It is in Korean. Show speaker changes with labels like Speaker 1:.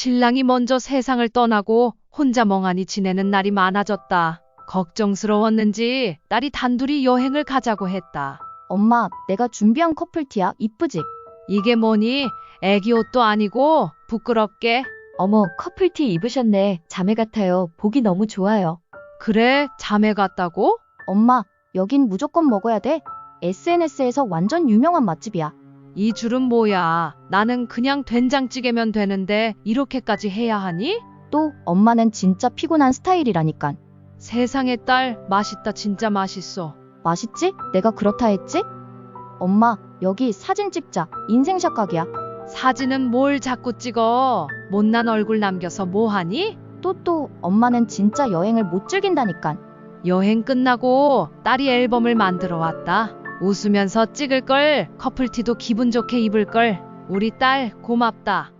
Speaker 1: 신랑이 먼저 세상을 떠나고 혼자 멍하니 지내는 날이 많아졌다. 걱정스러웠는지 딸이 단둘이 여행을 가자고 했다.
Speaker 2: 엄마, 내가 준비한 커플티야. 이쁘지?
Speaker 1: 이게 뭐니? 애기 옷도 아니고 부끄럽게.
Speaker 2: 어머, 커플티 입으셨네. 자매 같아요. 보기 너무 좋아요.
Speaker 1: 그래, 자매 같다고?
Speaker 2: 엄마, 여긴 무조건 먹어야 돼. SNS에서 완전 유명한 맛집이야.
Speaker 1: 이 줄은 뭐야? 나는 그냥 된장찌개면 되는데 이렇게까지 해야 하니?
Speaker 2: 또 엄마는 진짜 피곤한 스타일이라니깐.
Speaker 1: 세상에 딸, 맛있다. 진짜 맛있어.
Speaker 2: 맛있지? 내가 그렇다 했지? 엄마, 여기 사진 찍자. 인생샷 각이야.
Speaker 1: 사진은 뭘 자꾸 찍어? 못난 얼굴 남겨서 뭐하니?
Speaker 2: 또 엄마는 진짜 여행을 못 즐긴다니깐.
Speaker 1: 여행 끝나고 딸이 앨범을 만들어 왔다. 웃으면서 찍을 걸, 커플티도 기분 좋게 입을 걸. 우리 딸 고맙다.